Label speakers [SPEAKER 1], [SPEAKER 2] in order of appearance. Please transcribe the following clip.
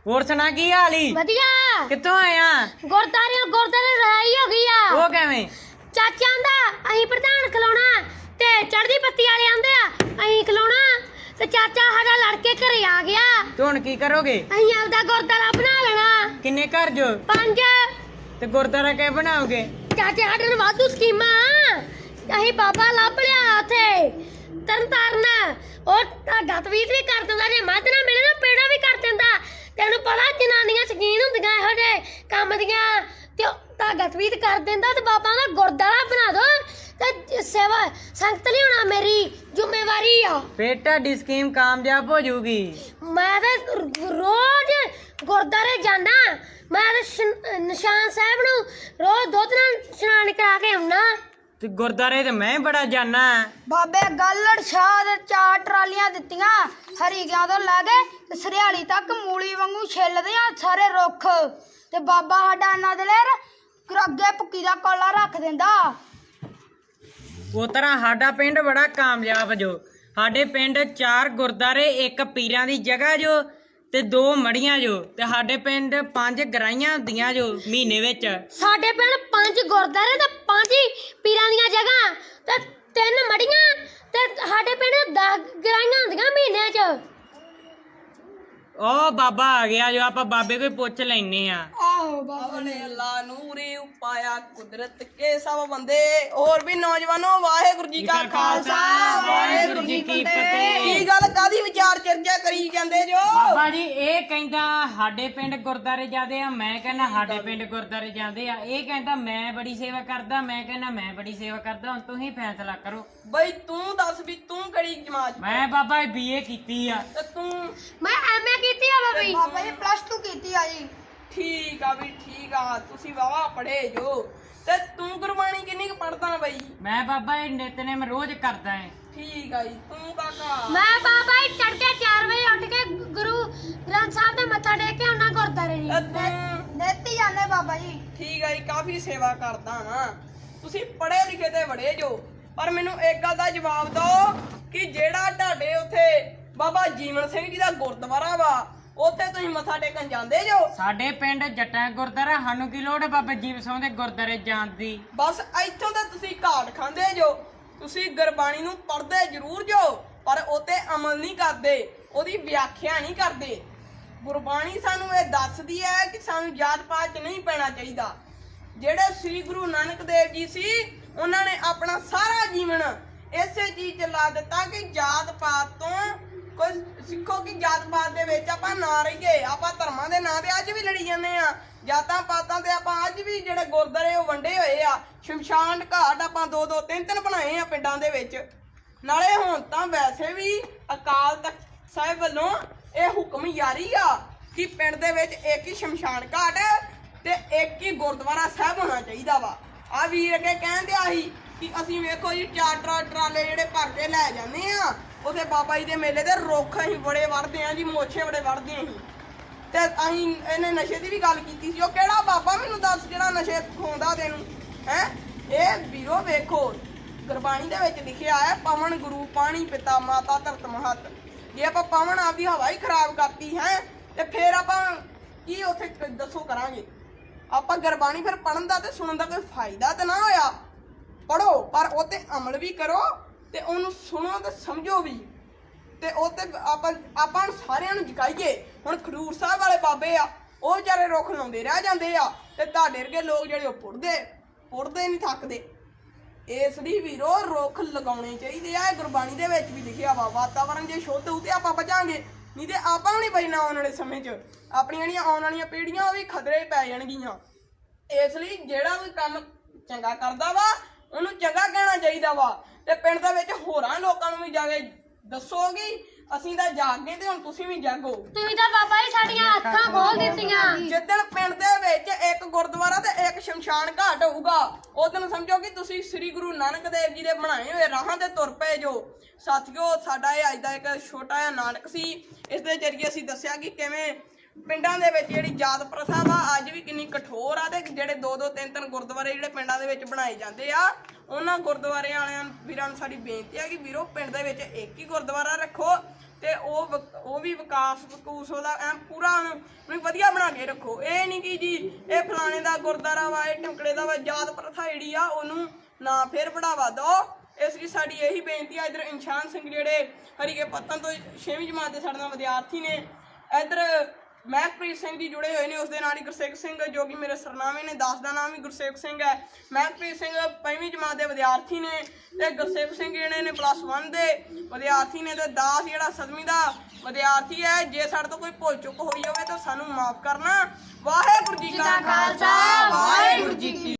[SPEAKER 1] ਹੋਰ ਸੁਣਾ ਕੀ ਹਾਲ ਈ?
[SPEAKER 2] ਵਧੀਆ।
[SPEAKER 1] ਕਿੱਥੋਂ ਆਇਆ?
[SPEAKER 2] ਗੁਰਦਾਰੇ ਲੜਾਈ ਹੋ ਗਈ ਆ।
[SPEAKER 1] ਉਹ ਕਿਵੇਂ?
[SPEAKER 2] ਚਾਚਾ ਆਂਦਾ ਅਸੀਂ ਪ੍ਰਧਾਨ ਖਲੋਣਾ ਤੇ ਚੜ੍ਹਦੀ ਬੱਤੀ ਵਾਲੇ ਆਂਦੇ ਆ ਅਸੀਂ ਖਲੋਣਾ ਤੇ ਚਾਚਾ ਸਾਡਾ ਲੜ ਕੇ ਘਰੇ ਆ ਗਿਆ।
[SPEAKER 1] ਤੂੰ ਹੁਣ ਕੀ ਕਰੋਗੇ?
[SPEAKER 2] ਅਸੀਂ ਆਪਦਾ ਗੁਰਦਾਰਾ ਬਣਾ ਲੈਣਾ।
[SPEAKER 1] ਕਿੰਨੇ ਘਰ ਜੋ?
[SPEAKER 2] 5।
[SPEAKER 1] ਤੇ ਗੁਰਦਾਰਾ ਕਿਵੇਂ ਬਣਾਓਗੇ?
[SPEAKER 2] ਚਾਚੇ ਸਾਡੇ ਨੂੰ ਵਾਧੂ ਸਕੀਮਾਂ। ਅਸੀਂ ਬਾਬਾ ਲੱਭ ਲਿਆ ਉੱਥੇ ਤਰਨਤਾਰਨ। ਉਹ ਧਾਗਾ ਤਵੀਤ ਵੀ ਕਰ ਦਿੰਦਾ, ਜੇ ਮੱਝ ਨਾ ਮਿਲੇ ਤਾਂ ਪੇੜਾ ਵੀ ਕਰ ਦਿੰਦਾ। ਤੈਨੂੰ ਪਤਾ ਜਨਾਨੀਆਂ ਸ਼ਕੀਨ ਹੁੰਦੀਆਂ ਇਹੋ ਜਿਹੇ ਕੰਮ ਦੀਆਂ, ਤੇ ਉਹ ਧਾਗਾ ਤਵੀਤ ਕਰ ਦਿੰਦਾ ਤੇ ਬਾਬਾ ਦਾ ਗੁਰਦਾਰਾ ਬਣਾ ਦੋ ਤੇ ਸੇਵਾ ਸੰਗਤ ਲਿਆਉਣਾ ਮੇਰੀ ਜ਼ਿੰਮੇਵਾਰੀ ਆ।
[SPEAKER 1] ਫੇਰ ਤੁਹਾਡੀ ਸਕੀਮ ਕਾਮਯਾਬ ਹੋ ਜਾਊਗੀ।
[SPEAKER 2] ਮੈਂ ਤੇ ਰੋਜ਼ ਗੁਰਦਾਰੇ ਜਾਣਾ। ਮੈਂ ਤੇ ਨਿਸ਼ਾਨ ਸਾਹਿਬ ਨੂੰ ਰੋਜ਼ ਦੁੱਧ ਨਾਲ ਇਸ਼ਨਾਨ ਕਰਾ ਕੇ ਆਉਣਾ।
[SPEAKER 1] ਤੇ ਗੁਰਦਾਰੇ ਤੇ ਮੈਂ ਬੜਾ ਜਾਣਾ।
[SPEAKER 3] ਬਾਬੇ ਗੱਲੜ ਸ਼ਾਹ ਦੇ 4 ਟਰਾਲੀਆਂ ਦਿੱਤੀਆਂ ਹਰੀਕਿਆਂ ਤੋਂ ਲੈ ਕੇ ਤੇ ਸਰਿਆਲੀ ਤੱਕ ਮੂਲੀ ਵਾਂਗੂ ਛਿੱਲਦੇ ਆ ਸਾਰੇ ਰੁੱਖ। ਤੇ ਬਾਬਾ ਸਾਡਾ ਇਹਨਾਂ ਦੇ ਲੇਰ ਅੱਗੇ ਭੁੱਕੀ ਦਾ ਕੋਲਾ ਰੱਖ ਦਿੰਦਾ।
[SPEAKER 1] ਉਹ ਤਰ੍ਹਾਂ ਸਾਡਾ ਪਿੰਡ ਬੜਾ ਕਾਮਯਾਬ ਜੋ। ਸਾਡੇ ਪਿੰਡ 4 ਗੁਰਦਾਰੇ, 1 ਪੀਰਾਂ ਦੀ ਜਗ੍ਹਾ ਜੋ ਤੇ 2 ਮੜੀਆਂ ਜੋ। ਤੇ ਸਾਡੇ ਪਿੰਡ 5 ਗਰਾਈਆਂ ਹੁੰਦੀਆਂ ਜੋ ਮਹੀਨੇ ਵਿੱਚ।
[SPEAKER 2] ਸਾਡੇ ਪਿੰਡ 5 ਗੁਰਦਾਰੇ ਤੇ 5 ਪੀਰਾਂ ਦੀਆਂ ਜਗ੍ਹਾ ਤੇ 3 ਮੜੀਆਂ ਤੇ ਸਾਡੇ ਪਿੰਡ 10 ਗਰਾਈਆਂ ਹੁੰਦੀਆਂ ਮਹੀਨੇ 'ਚ।
[SPEAKER 1] ਉਹ ਬਾਬਾ ਆ ਗਿਆ ਜੋ, ਆਪਾਂ ਬਾਬੇ ਕੋਈ ਪੁੱਛ ਲੈਨੇ ਆ।
[SPEAKER 3] ਆਹੋ ਬਾਬਾ
[SPEAKER 4] ਨੇ ਅੱਲਾ ਨੂਰੇ ਉਪਾਇਆ ਕੁਦਰਤ ਕੇ ਸਭ ਬੰਦੇ। ਹੋਰ ਵੀ ਨੌਜਵਾਨੋ ਵਾਹਿਗੁਰੂ ਜੀ ਕਾ ਖਾਲਸਾ
[SPEAKER 1] ਵਾਹਿਗੁਰੂ ਜੀ ਕੀ ਫਤਿਹ।
[SPEAKER 4] ਕੀ ਗੱਲ ਕਾਦੀ ਵਿਚਾਰ ਚਰਚਾ ਕਰੀ ਜਾਂਦੇ ਜੋ?
[SPEAKER 1] ਬਾਬਾ ਜੀ ਇਹ ਕਹਿੰਦਾ ਸਾਡੇ ਪਿੰਡ ਗੁਰਦਾਰੇ ਜਾਂਦੇ ਆ, ਮੈਂ ਕਹਿੰਦਾ ਸਾਡੇ ਪਿੰਡ ਗੁਰਦਾਰੇ ਜਾਂਦੇ ਆ। ਇਹ ਕਹਿੰਦਾ ਮੈਂ ਬੜੀ ਸੇਵਾ ਕਰਦਾ, ਮੈਂ ਕਹਿੰਦਾ ਮੈਂ ਬੜੀ ਸੇਵਾ ਕਰਦਾ। ਹੁਣ ਤੁਸੀਂ ਫੈਸਲਾ ਕਰੋ।
[SPEAKER 4] ਬਈ ਤੂੰ ਦੱਸ ਵੀ ਤੂੰ ਕਿਹੜੀ ਜਮਾਤ?
[SPEAKER 1] ਮੈਂ ਬਾਬਾ BA ਕੀਤੀ ਆ।
[SPEAKER 4] ਤੇ ਤੂੰ?
[SPEAKER 2] ਮੈਂ ਐਮਏ ਕੀਤੀ ਆ ਬਾਬੀ।
[SPEAKER 3] ਬਾਬਾ ਜੀ +2 ਕੀਤੀ ਆ ਜੀ।
[SPEAKER 4] ਠੀਕ ਆ ਵੀ ਠੀਕ ਆ, ਤੁਸੀਂ ਵਾਵਾ ਪੜੇ ਜੋ। ਤੇ ਤੂੰ ਗੁਰਬਾਣੀ ਕਿੰਨੀ ਕੁ ਪੜਦਾ ਬਈ?
[SPEAKER 1] ਮੈਂ ਬਾਬਾ ਇਹ ਨਿਤਨੇਮ ਰੋਜ਼ ਕਰਦਾ ਏ।
[SPEAKER 4] ਠੀਕ ਆ ਜੀ। ਤੂੰ ਕਾਕਾ?
[SPEAKER 2] ਮੈਂ ਬਾਬਾ ਹੀ ਤੜਕੇ 4 ਵਜੇ ਉੱਠ ਕੇ ਗੁਰੂ ਗ੍ਰੰਥ ਸਾਹਿਬ ਦੇ ਮੱਥਾ ਟੇਕ ਕੇ ਆਉਣਾ ਗੁਰਦਾਰੇ ਜੀ।
[SPEAKER 4] ਤੇ ਤੂੰ?
[SPEAKER 3] ਨੇਤੀ ਜਾਂਦੇ ਬਾਬਾ ਜੀ।
[SPEAKER 4] ਠੀਕ ਆ ਜੀ, ਕਾਫੀ ਸੇਵਾ ਕਰਦਾ ਨਾ। ਤੁਸੀਂ ਪੜੇ ਲਿਖੇ ਤੇ ਬੜੇ ਜੋ, ਪਰ ਮੈਨੂੰ ਇੱਕ ਗੱਲ ਦਾ ਜਵਾਬ ਦਿਓ ਕਿ ਜਿਹੜਾ ਤੁਹਾਡੇ ਉੱਥੇ ਬਾਬਾ ਜੀਵਨ ਸਿੰਘ ਜੀ ਦਾ ਗੁਰਦੁਆਰਾ ਵਾ, ਉੱਥੇ ਤੁਸੀਂ ਮੱਥਾ ਟੇਕਣ ਜਾਂਦੇ ਜੋ?
[SPEAKER 1] ਸਾਡੇ ਪਿੰਡ ਜੱਟਾਂ ਗੁਰਦਾਰਾ, ਸਾਨੂੰ ਕੀ ਲੋੜ ਹੈ ਬਾਬਾ ਜੀਵ ਸਿੰਘ ਦੇ ਗੁਰਦਾਰੇ ਜਾਣ ਦੀ?
[SPEAKER 4] ਬਸ ਇੱਥੋਂ ਤਾਂ ਤੁਸੀਂ ਘਾਟ ਖਾਂਦੇ ਜੋ। ਤੁਸੀਂ ਗੁਰਬਾਣੀ ਨੂੰ ਪੜ੍ਹਦੇ ਜ਼ਰੂਰ ਜੋ, ਪਰ ਉਤੇ ਅਮਲ ਨਹੀਂ ਕਰਦੇ, ਉਹਦੀ ਵਿਆਖਿਆ ਨਹੀਂ ਕਰਦੇ। ਗੁਰਬਾਣੀ ਸਾਨੂੰ ਇਹ ਦੱਸਦੀ ਹੈ ਕਿ ਸਾਨੂੰ ਜਾਤ ਪਾਤ 'ਚ ਨਹੀਂ ਪੈਣਾ ਚਾਹੀਦਾ। ਜਿਹੜੇ ਸ੍ਰੀ ਗੁਰੂ ਨਾਨਕ ਦੇਵ ਜੀ ਸੀ, ਉਹਨਾਂ ਨੇ ਆਪਣਾ ਸਾਰਾ ਜੀਵਨ ਇਸੇ ਚੀਜ਼ 'ਚ ਲਾ ਦਿੱਤਾ ਕਿ ਜਾਤ ਪਾਤ ਤੋਂ ਕੋਈ ਸਿੱਖੋ ਕਿ ਜਾਤ ਪਾਤ ਦੇ ਵਿੱਚ ਆਪਾਂ ਨਾ ਰਹੀਏ। ਆਪਾਂ ਧਰਮਾਂ ਦੇ ਨਾਂ ਤੇ ਅੱਜ ਵੀ ਲੜੀ ਜਾਂਦੇ ਆ। ਜਾਤਾਂ ਪਾਤਾਂ ਤੇ ਆਪਾਂ ਅੱਜ ਵੀ ਜਿਹੜੇ ਗੁਰਦੁਆਰੇ ਉਹ ਵੰਡੇ ਹੋਏ ਆ। ਸ਼ਮਸ਼ਾਨ ਘਾਟ ਆਪਾਂ 2-2 3-3 ਬਣਾਏ ਆ ਪਿੰਡਾਂ ਦੇ ਵਿੱਚ। ਨਾਲੇ ਹੁਣ ਤਾਂ ਵੈਸੇ ਵੀ ਅਕਾਲ ਤਖਤ ਸਾਹਿਬ ਵੱਲੋਂ ਇਹ ਹੁਕਮ ਜਾਰੀ ਆ ਕਿ ਪਿੰਡ ਦੇ ਵਿੱਚ ਇੱਕ ਹੀ ਸ਼ਮਸ਼ਾਨ ਘਾਟ ਤੇ ਇੱਕ ਹੀ ਗੁਰਦੁਆਰਾ ਸਾਹਿਬ ਹੋਣਾ ਚਾਹੀਦਾ ਵਾ। ਆ ਵੀਰ ਅੱਗੇ ਕਹਿੰਦੇ ਆਹੀ ਕਿ ਅਸੀਂ ਵੇਖੋ ਜੀ 4 ਟਰਾਲੇ ਜਿਹੜੇ ਭਰ ਕੇ ਲੈ ਜਾਂਦੇ ਆ ਉਥੇ ਬਾਬਾ ਜੀ ਦੇ ਮੇਲੇ ਤੇ ਰੁੱਖ ਅਸੀਂ ਬੜੇ ਵੜਦੇ ਆ ਜੀ, ਮੋਛੇ ਬੜੇ ਵੜਦੇ ਅਸੀਂ। ਤੇ ਅਸੀਂ ਇਹਨੇ ਨਸ਼ੇ ਦੀ ਵੀ ਗੱਲ ਕੀਤੀ ਸੀ। ਉਹ ਕਿਹੜਾ ਬਾਬਾ ਮੈਨੂੰ ਦੱਸ ਜਿਹੜਾ ਨਸ਼ੇ ਖਵਾਉਂਦਾ ਤੈਨੂੰ ਹੈ? ਇਹ ਵੀਰੋ ਵੇਖੋ ਗੁਰਬਾਣੀ ਦੇ ਵਿੱਚ ਲਿਖਿਆ ਹੈ ਪਵਨ ਗੁਰੂ ਪਾਣੀ ਪਿਤਾ ਮਾਤਾ ਧਰਤ ਮਹਤ। ਜੇ ਆਪਾਂ ਪਵਨ ਆਪਦੀ ਹਵਾ ਹੀ ਖਰਾਬ ਕਰਤੀ ਹੈ ਤੇ ਫਿਰ ਆਪਾਂ ਕੀ ਉੱਥੇ ਦੱਸੋ ਕਰਾਂਗੇ? ਆਪਾਂ ਗੁਰਬਾਣੀ ਫਿਰ ਪੜਨ ਦਾ ਤੇ ਸੁਣਨ ਦਾ ਕੋਈ ਫਾਇਦਾ ਤਾਂ ਨਾ ਹੋਇਆ। ਪੜੋ ਪਰ ਉਹ ਤੇ ਅਮਲ ਵੀ ਕਰੋ ਤੇ ਉਹਨੂੰ ਸੁਣੋ ਤੇ ਸਮਝੋ ਵੀ, ਤੇ ਉਹ ਤੇ ਆਪਾਂ ਸਾਰਿਆਂ ਨੂੰ ਜਗਾਈਏ। ਹੁਣ ਖਡੂਰ ਸਾਹਿਬ ਵਾਲੇ ਬਾਬੇ ਆ, ਉਹ ਵਿਚਾਰੇ ਰੁੱਖ ਲਾਉਂਦੇ ਰਹਿ ਜਾਂਦੇ ਆ ਤੇ ਤੁਹਾਡੇ ਵਰਗੇ ਲੋਕ ਜਿਹੜੇ ਉਹ ਪੁੱਟਦੇ ਨਹੀਂ ਥੱਕਦੇ। ਇਸ ਲਈ ਵੀਰੋ ਰੁੱਖ ਲਗਾਉਣੇ ਚਾਹੀਦੇ ਆ। ਗੁਰਬਾਣੀ ਦੇ ਵਿੱਚ ਵੀ ਲਿਖਿਆ ਵਾ ਵਾਤਾਵਰਨ ਜੇ ਸ਼ੁੱਧ ਹੋਊ ਤੇ ਆਪਾਂ ਬਚਾਂਗੇ, ਨਹੀਂ ਤੇ ਆਪਾਂ ਨੂੰ ਨਹੀਂ ਬਚਣਾ ਆਉਣ ਵਾਲੇ ਸਮੇਂ 'ਚ। ਆਪਣੀਆਂ ਜਿਹੜੀਆਂ ਆਉਣ ਵਾਲੀਆਂ ਪੀੜ੍ਹੀਆਂ ਉਹ ਵੀ ਖਤਰੇ ਪੈ ਜਾਣਗੀਆਂ। ਇਸ ਲਈ ਜਿਹੜਾ ਕੋਈ ਕੰਮ ਚੰਗਾ ਕਰਦਾ ਵਾ ਉਹਨੂੰ ਚੰਗਾ ਕਹਿਣਾ ਚਾਹੀਦਾ ਵਾ। ਤੇ ਪਿੰਡ ਦੇ ਵਿੱਚ ਹੋਰਾਂ ਲੋਕਾਂ ਨੂੰ ਵੀ ਜਾ ਕੇ ਦੱਸੋਗੀ ਅਸੀਂ ਤਾਂ ਜਾਗ ਗਏ ਤੇ ਹੁਣ ਤੁਸੀਂ ਵੀ ਜਾਗੋ।
[SPEAKER 2] ਤੁਸੀਂ ਤਾਂ ਬਾਬਾ ਜੀ ਸਾਡੀਆਂ ਅੱਖਾਂ ਖੋਲ ਦਿੱਤੀਆਂ।
[SPEAKER 4] ਜਿੱਦਣ ਪਿੰਡ ਦੇ ਵਿੱਚ ਇੱਕ ਗੁਰਦੁਆਰਾ ਤੇ ਇੱਕ ਸ਼ਮਸ਼ਾਨ ਘਾਟ ਹੋਊਗਾ, ਉਦੋਂ ਸਮਝੋ ਕਿ ਤੁਸੀਂ ਸ੍ਰੀ ਗੁਰੂ ਨਾਨਕ ਦੇਵ ਜੀ ਦੇ ਬਣਾਏ ਹੋਏ ਰਾਹਾਂ ਤੇ ਤੁਰ ਪਏ ਜੋ। ਸਾਥੀਓ ਸਾਡਾ ਇਹ ਅੱਜ ਦਾ ਇੱਕ ਛੋਟਾ ਜਿਹਾ ਨਾਟਕ ਸੀ। ਇਸ ਦੇ ਜ਼ਰੀਏ ਅਸੀਂ ਦੱਸਿਆ ਕਿ ਕਿਵੇਂ ਪਿੰਡਾਂ ਦੇ ਵਿੱਚ ਜਿਹੜੀ ਜਾਤ ਪ੍ਰਥਾ ਵਾ ਅੱਜ ਵੀ ਕਿੰਨੀ ਕਠੋਰ ਆ, ਤੇ ਜਿਹੜੇ 2-2 3-3 ਗੁਰਦੁਆਰੇ ਜਿਹੜੇ ਪਿੰਡਾਂ ਦੇ ਵਿੱਚ ਬਣਾਏ ਜਾਂਦੇ ਆ, ਉਹਨਾਂ ਗੁਰਦੁਆਰੇ ਵਾਲਿਆਂ ਵੀਰਾਂ ਨੂੰ ਸਾਡੀ ਬੇਨਤੀ ਆ ਕਿ ਵੀਰੋ ਪਿੰਡ ਦੇ ਵਿੱਚ ਇੱਕ ਹੀ ਗੁਰਦੁਆਰਾ ਰੱਖੋ। ਤੇ ਉਹ ਵੀ ਵਿਕਾਸ ਉਹਦਾ ਐ ਪੂਰਾ ਉਹਨੂੰ ਵਧੀਆ ਬਣਾ ਕੇ ਰੱਖੋ। ਇਹ ਨਹੀਂ ਕਿ ਜੀ ਇਹ ਫਲਾਣੇ ਦਾ ਗੁਰਦੁਆਰਾ ਵਾ, ਇਹ ਟਿਮਕੜੇ ਦਾ ਵਾ, ਜਾਤ ਪ੍ਰਥਾ ਜਿਹੜੀ ਆ ਉਹਨੂੰ ਨਾ ਫਿਰ ਬੜਾਵਾ ਦਿਓ। ਇਸ ਲਈ ਸਾਡੀ ਇਹੀ ਬੇਨਤੀ ਆ। ਇੱਧਰ ਇਨਸ਼ਾਨ ਸਿੰਘ ਜਿਹੜੇ ਹਰੀਕੇ ਪੱਤਨ ਤੋਂ 6ਵੀਂ ਜਮਾਤ ਦੇ ਸਾਡੇ ਨਾਲ ਵਿਦਿਆਰਥੀ ਨੇ, ਇੱਧਰ ਮਹਿਕਪ੍ਰੀਤ ਸਿੰਘ ਜੀ ਜੁੜੇ ਹੋਏ ਨੇ, ਉਸ ਦੇ ਨਾਲ ਹੀ ਗੁਰਸੇਵਕ ਸਿੰਘ ਜੋ ਕਿ ਮੇਰੇ ਸਰਨਾਮੇ ਨੇ, 10 ਦਾ ਨਾਮ ਵੀ ਗੁਰਸੇਵਕ ਸਿੰਘ ਹੈ। ਮਹਿਕਪ੍ਰੀਤ ਸਿੰਘ 5ਵੀਂ ਜਮਾਤ ਦੇ ਵਿਦਿਆਰਥੀ ਨੇ ਤੇ ਗੁਰਸੇਵਕ ਸਿੰਘ ਜਿਹੜੇ ਨੇ +1 ਦੇ ਵਿਦਿਆਰਥੀ ਨੇ ਤੇ ਦਾਸ ਜਿਹੜਾ 7ਵੀਂ ਦਾ ਵਿਦਿਆਰਥੀ ਹੈ। ਜੇ ਸਾਡੇ ਤੋਂ ਕੋਈ ਭੁੱਲ ਚੁੱਕ ਹੋਈ ਹੋਵੇ ਤਾਂ ਸਾਨੂੰ ਮਾਫ ਕਰਨਾ। ਵਾਹਿਗੁਰੂ ਜੀ ਕਾ ਖਾਲਸਾ, ਵਾਹਿਗੁਰੂ ਜੀ ਕੀ